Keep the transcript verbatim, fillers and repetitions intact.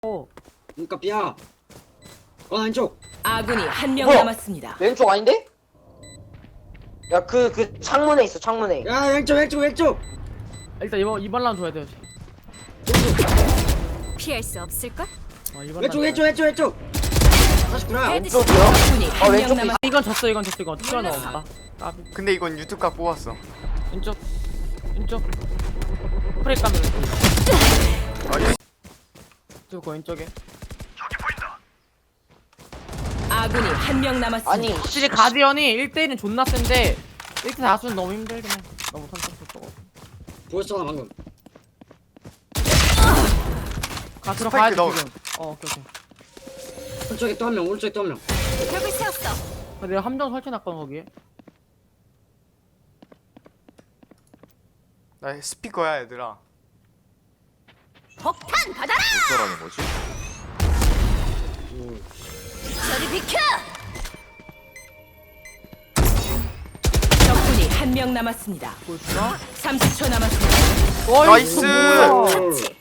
어. 그러니까 삐야. 어 왼쪽. 아군이 한 명 뭐야? 남았습니다. 왼쪽 아닌데? 야 그 그 창문에 있어 창문에. 야 왼쪽 왼쪽 왼쪽. 일단 이번 이번 라운드 줘야 돼요. 피할 수 없을걸? 아, 이번 왼쪽 라운드. 왼쪽 왼쪽 왼쪽. 사십구나. 왼쪽이요? 적군이 아, 한 명 왼쪽도 남았. 이건 졌어 이건 졌어 이건 투가 나온다. 까비. 근데 이건 유튜브 각 뽑았어. 왼쪽 왼쪽 프레이 까면 아, 이 왼쪽 왼쪽에. 아군이 한 명 남았습니다. 아니 확실히 가디언이 일 대 일은 존나 센데 일 대 사수는 너무 힘들긴 해. 너무 선착순 보였잖아 방금. 가 들어가야지 스파이크 넣어. 지금. 어 오케이 오케이. 오른쪽에 또 한 명 오른쪽에 또 한 명. 벽을 세웠어. 아, 내가 함정 설치해놨거든 거기에. 나 스피커야 얘들아. 폭탄 받아라. 어쩌라는 거지? 저리 비켜. 적군이 한 명 남았습니다. 보여주나? 삼십 초 남았습니다. 어이, 나이스! 뭐야. 그렇지.